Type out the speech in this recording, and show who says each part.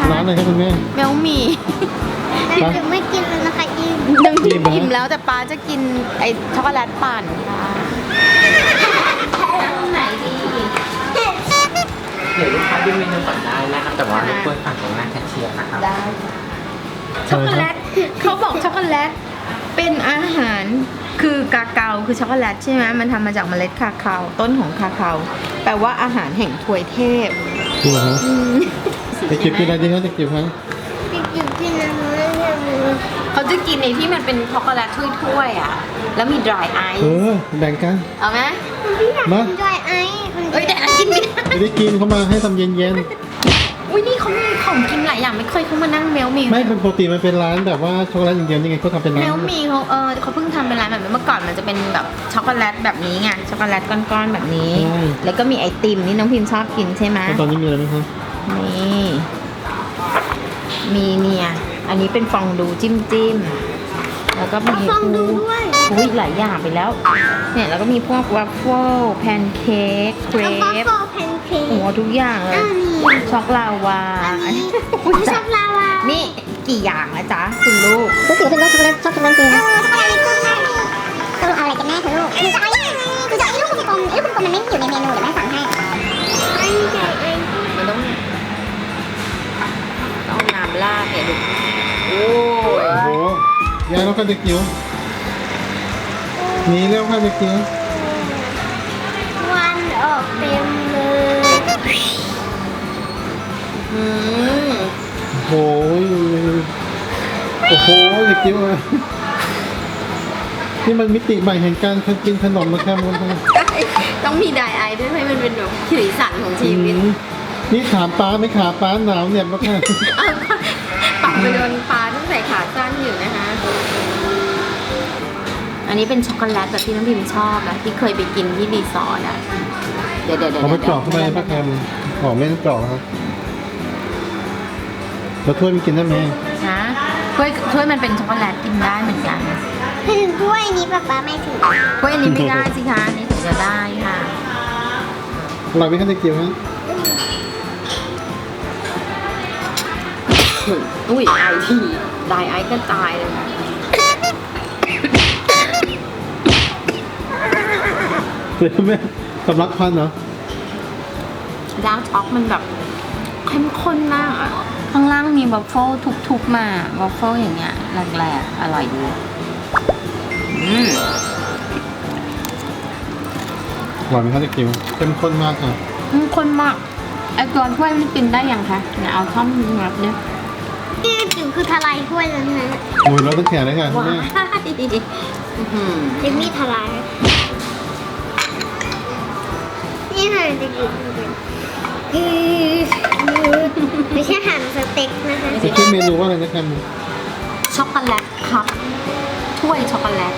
Speaker 1: ร้านอะไรครับคุณแม่
Speaker 2: แมวหมี่
Speaker 3: แต่ถึงไม่กินแล้วนะคะอิ่ม
Speaker 2: น้ำพริกอิ่มแล้วแต่ป้าจะกินไอช็อกโกแลตปั่นค่ะไหนดี
Speaker 4: เดี๋ยวลูกค้าดูเมนูก่อนได้นะครับ แต่ว่ารบกวนฝั่งตรงหน้าแคชเชียร์นะครับ
Speaker 2: ได้ช็อกโกแลตเขาบอกช็อกโกแลตเป็นอาหารคือกาเกาคือช็อกโกแลตใช่ไหมมันทำมาจากเมล็ดคาคาวต้นของคาคาวแปลว่าอาหารแห่งถวยเทพ
Speaker 1: จริงเหรอฮะจะเก็บกินอะไรดีครับจะเก็บครับ
Speaker 3: กินกินนะไม่ใช่มือ
Speaker 2: เขาจะกินในที่มันเป็นช็อกโกแลตถ้วยๆอ่ะแล้วมี dry ice
Speaker 1: แบ่งกัน
Speaker 2: เอาไหม
Speaker 3: พี่อยาก
Speaker 1: มา
Speaker 3: กินด้วยไอ้คน
Speaker 2: เอ้ยแต่อันกินไม่ได้
Speaker 1: ไม่ได้กินเขามาให้ทำเย็น
Speaker 2: อุ้ยนี่เขามีของกินหลายอย่างไม่เคยเขามานั่งเมลมี
Speaker 1: ๆไม่เป็นปกติมันเป็นร้านแบบว่าช็อกโกแลตอย่างเดียวยังไงเขาทำเป็นร้า
Speaker 2: เม
Speaker 1: น
Speaker 2: ลมีเขาเขาเพิ่งทำเป็นร้านแบบนี้เมื่อก่อนมันจะเป็นแบบช็อกโกแลตแบบนี้ไงช็อกโกแลตก้อนๆแบบนี้ แล้วก็มีไอติมนี่น้องพิมพ์ชอบกินใช่ไหม
Speaker 1: แล้วตอนนี้มีอะไรไหมครับ
Speaker 2: นี่มีเนี่ยอันนี้เป็นฟองดูจิ้มแล้วก็มี
Speaker 3: ฟองดูด้วย
Speaker 2: อุ้ยหลายอย่างไปแล้ว เนี่ยแล้วก็มีพวกวัฟเฟิลแพนเค้กเคร
Speaker 3: แล้วก็
Speaker 2: ป
Speaker 3: โฟแพนเค้ก
Speaker 2: โอ้โหทุกอย่างเลย
Speaker 3: อันนี้
Speaker 2: ช็อกลาวา
Speaker 3: อันนี้
Speaker 2: อุ๊ย
Speaker 3: ช็อกโกแลาวา
Speaker 2: นี่กี่อย่างนะจ๊ะคุณลูก
Speaker 3: รู้สึกเป็นรสช็อกโกแลตชอบช็อกโกแลตจริงช็อกโกแลตกุ้งแม่ต้องเอาอะไรกันแน่คะลูกคือจะเอายังไงคือจะเอาลูกกลมๆลูกกลมๆมันไม่อยู่ในเมนูเดี๋ยวแม่สั่งให้ไอ้ใหญ่ไอ้
Speaker 2: มันต้องน้ำราดเนี่ยดูโอ้ย
Speaker 1: โอ้โหยายแล้วก็จะเกี๊ยวหนีเร็วค่ะจะเกี๊ยว
Speaker 3: วันออกเต็มเลย
Speaker 2: อืม
Speaker 1: โอ้ยโอ้โหจะเกี๊ยวอะนี่มันมิติใหม่แห่งการกินขนมนะครับคุณผู้ชม
Speaker 2: ต้องมีไดไอด้วยให้มันเป็นแบบสีสันของชีวิต
Speaker 1: นี่ถามป้าไหม่ขาป้าหนาวเหน็บแล้วค่ะ
Speaker 2: เอาปรับไปโดนปลาต้องใส่ขาสั้นอยู่นะคะ อันนี้เป็นช็อกโกแลตแบบที่น้องพิมชอบนะที่เคยไปกินที่รีสอร์ทอ่ะ เดี๋ยว
Speaker 1: เอาไปเจาะเข้าไปป้าแคมหอมไม่ต้องเจาะครับแล้วถ้วยมันกินได้ไหม
Speaker 2: นะถ้วยมันเป็นช็อกโกแลตกินได้เหมือนกัน
Speaker 3: ถึงถ้วยนี้ป๊าไม่ถึง
Speaker 2: ถ้วยอันนี้ไม่ได้สิคะอันนี้ถึงจะได้ค่ะ
Speaker 1: อร่อยไหมครับจะเกี๊ยวฮะ
Speaker 2: อุ้ยไอทีไดไอก็ตายเลยค่ะ
Speaker 1: เลยแม่สำลักควันเหรอ
Speaker 2: ดาร์กช็อกมันแบบเข้มข้นมากอ่ะ ข้างล่างมีวัฟเฟิลทุบๆมาวัฟเฟิลอย่างเงี้ยแหลกๆอร่อยดีอืม
Speaker 1: อร่อยไหมครับจะเกี๊ยวเข้มข้นมากค่ะ
Speaker 2: ข้นมากไอตัวถ้วยมันกินได้ยังคะเนี่ยเอาท่อมงับเนี่ย
Speaker 3: นี่จิ๋วคือทลายถ้วยแล้วนะ
Speaker 1: โอ้ยเราต้องแขนเลยค่ะ
Speaker 2: ว้า
Speaker 1: แม่
Speaker 2: ยอื้อหือ
Speaker 3: เจมมี่ทลายนี่ค่ะจะกินไม่ใช่หั่นสเต็กนะคะ
Speaker 1: จะชื่อเมนูว่าอะไรนะครับ
Speaker 2: ช็อกโกแลตครับถ้วยช็อกโกแลต